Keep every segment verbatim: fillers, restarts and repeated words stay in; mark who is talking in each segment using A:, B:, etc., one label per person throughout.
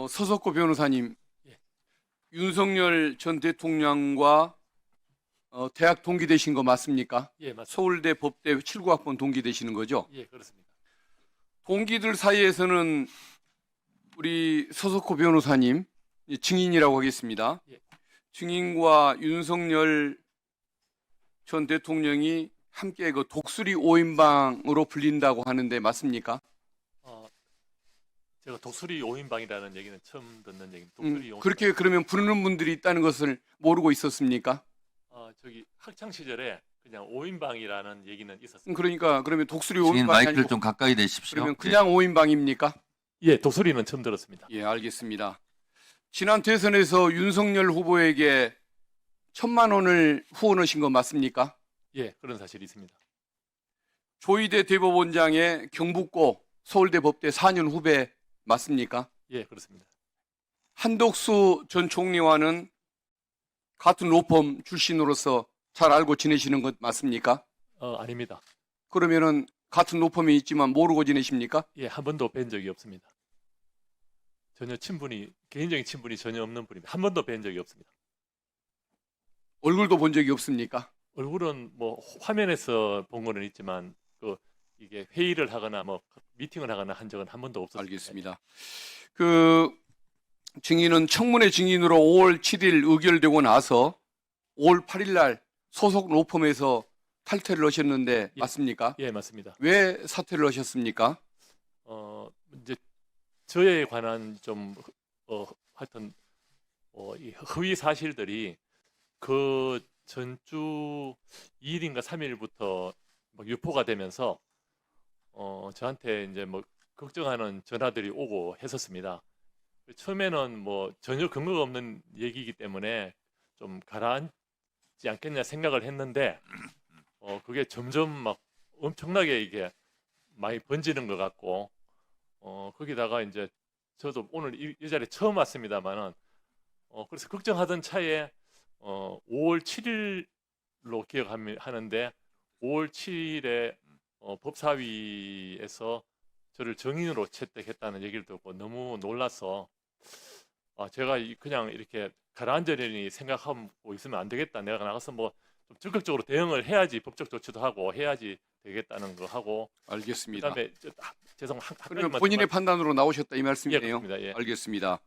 A: 어, 서석구 변호사님,
B: 예.
A: 윤석열 전 대통령과 어, 대학 동기 되신 거 맞습니까?
B: 예, 맞습니다.
A: 서울대 법대 칠구 학번 동기 되시는 거죠?
B: 예, 그렇습니다.
A: 동기들 사이에서는 우리 서석구 변호사님 이 증인이라고 하겠습니다.
B: 예.
A: 증인과 윤석열 전 대통령이 함께 그 독수리 오인방으로 불린다고 하는데 맞습니까?
B: 어, 제가 독수리 오인방이라는 얘기는 처음 듣는 얘기입니다.
A: 음,
B: 독수리 오인방.
A: 그렇게 그러면 부르는 분들이 있다는 것을 모르고 있었습니까?
B: 어, 저기 학창 시절에 그냥 오인방이라는 얘기는
A: 음,
B: 있었습니다.
A: 그러니까 그러면 독수리
C: 증인
A: 오인방이
C: 마이크를
A: 아니고
C: 좀 가까이 대십시오.
A: 그러면 그냥 오인방입니까?
B: 예, 독수리는 처음 들었습니다.
A: 예, 알겠습니다. 지난 대선에서 윤석열 후보에게 천만 원을 후원하신 거 맞습니까?
B: 예, 그런 사실이 있습니다.
A: 조희대 대법원장의 경북고 서울대 법대 사 년 후배 맞습니까?
B: 예, 그렇습니다.
A: 한덕수 전 총리와는 같은 로펌 출신으로서 잘 알고 지내시는 것 맞습니까?
B: 어, 아닙니다.
A: 그러면은 같은 로펌이 있지만 모르고 지내십니까?
B: 예, 한 번도 뵌 적이 없습니다. 전혀 친분이 개인적인 친분이 전혀 없는 분입니다. 한 번도 뵌 적이 없습니다.
A: 얼굴도 본 적이 없습니까?
B: 얼굴은 뭐 화면에서 본 거는 있지만 그 이게 회의를 하거나 뭐 미팅을 하거나 한 적은 한 번도 없었습니다.
A: 알겠습니다. 그 증인은 청문회 증인으로 오월 칠일 의결되고 나서 오월 팔일 날 소속 로펌에서 탈퇴를 하셨는데
B: 예.
A: 맞습니까?
B: 예, 맞습니다.
A: 왜 사퇴를 하셨습니까?
B: 어, 이제 저에 관한 좀 어, 하여튼 어, 이 허위 사실들이 그 전주 이 일인가 삼 일부터 막 유포가 되면서 어, 저한테 이제 뭐 걱정하는 전화들이 오고 했었습니다. 처음에는 뭐 전혀 근거가 없는 얘기이기 때문에 좀 가라앉지 않겠냐 생각을 했는데 어, 그게 점점 막 엄청나게 이게 많이 번지는 것 같고 어, 거기다가 이제 저도 오늘 이, 이 자리에 처음 왔습니다만은 어, 그래서 걱정하던 차에 어, 오월 칠일로 기억하는데 오월 칠일에 어, 법사위에서 저를 정인으로 채택했다는 얘기를 듣고 너무 놀라서 아, 제가 이- 그냥 이렇게 가라앉으려니 생각하고 있으면 안 되겠다. 내가 나가서 뭐 좀 적극적으로 대응을 해야지 법적 조치도 하고 해야지 되겠다는 거 하고
A: 알겠습니다.
B: 그다음에 저, 아, 죄송 한
A: 그러면
B: 가지만
A: 본인의
B: 더
A: 판단으로 나오셨다 이
B: 말- 예,
A: 말씀이네요.
B: 그렇습니다. 예.
A: 알겠습니다.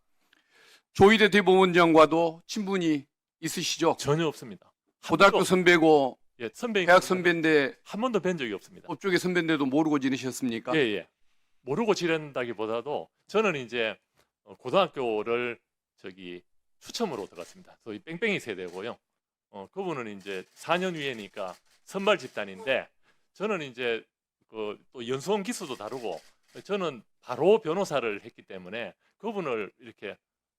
A: 조희대 대법원장과도 친분이 있으시죠?
B: 전혀 없습니다. 한
A: 고등학교
B: 번도-
A: 선배고
B: 예, 선배
A: 대학 선배인데
B: 한 번도 뵌 적이 없습니다.
A: 법조계 선배인데도 모르고 지내셨습니까?
B: 예, 예. 모르고 지낸다기보다도 저는 이제 어, 고등학교를 저기 추첨으로 들어갔습니다. 소위 뺑뺑이 세대고요. 어, 그분은 이제 사 년 위에니까 선발 집단인데 저는 이제 그 또 연수원 기수도 다르고 저는 바로 변호사를 했기 때문에 그분을 이렇게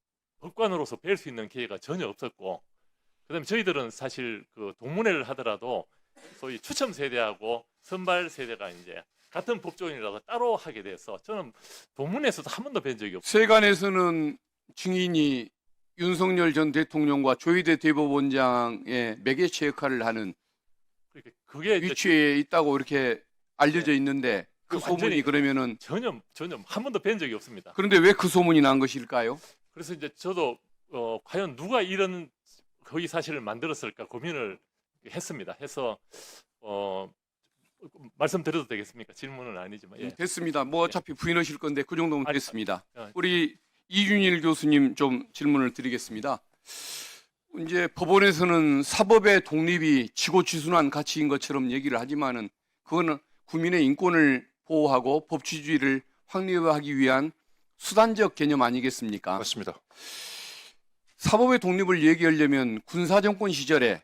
B: 법관으로서 뵐 수 있는 기회가 전혀 없었고 그다음에 저희들은 사실 그 동문회를 하더라도 소위 추첨 세대하고 선발 세대가 이제 같은 법조인이라도 따로 하게 돼서 저는 동문회에서도 한 번도 뵌 적이 없어요.
A: 세간에서는 증인이 윤석열 전 대통령과 조희대 대법원장의 매개체 역할을 하는
B: 그러니까 그게 이제
A: 위치에 있다고 이렇게 알려져 있는데 그
B: 그
A: 소문이
B: 완전히
A: 그러면은
B: 전혀 전혀 한 번도 뵌 적이 없습니다.
A: 그런데 왜 그 소문이 난 것일까요?
B: 그래서 이제 저도 어, 과연 누가 이런 허위 사실을 만들었을까 고민을 했습니다. 해서 어, 말씀드려도 되겠습니까? 질문은 아니지만 예.
A: 됐습니다. 뭐 어차피 부인하실 건데 그 정도면
B: 아니,
A: 됐습니다.
B: 아,
A: 우리 이준일 교수님 좀 질문을 드리겠습니다. 이제 법원에서는 사법의 독립이 지고지순한 가치인 것처럼 얘기를 하지만은 그거는 국민의 인권을 보호하고 법치주의를 확립하기 위한 수단적 개념 아니겠습니까?
D: 맞습니다.
A: 사법의 독립을 얘기하려면 군사정권 시절에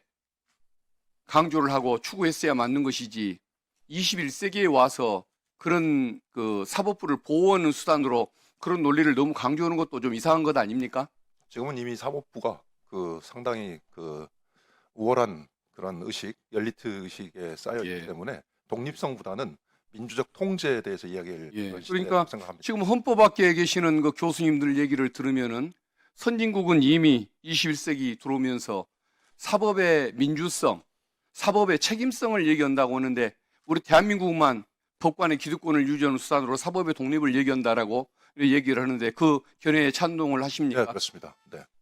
A: 강조를 하고 추구했어야 맞는 것이지 이십일 세기에 와서 그런 그 사법부를 보호하는 수단으로 그런 논리를 너무 강조하는 것도 좀 이상한 것 아닙니까?
D: 지금은 이미 사법부가 그 상당히 그 우월한 그런 의식, 엘리트 의식에 쌓여 있기
A: 예.
D: 때문에 독립성보다는 민주적 통제에 대해서 이야기를
A: 예.
D: 그런 시대라고
A: 그러니까
D: 생각합니다.
A: 지금 헌법학계에 계시는 그 교수님들 얘기를 들으면은 선진국은 이미 이십일 세기 들어오면서 사법의 민주성, 사법의 책임성을 얘기한다고 하는데 우리 대한민국만 법관의 기득권을 유지하는 수단으로 사법의 독립을 얘기한다라고 얘기를 하는데 그 견해에 찬동을
D: 네,
A: 하십니까?
D: 그렇습니다. 네.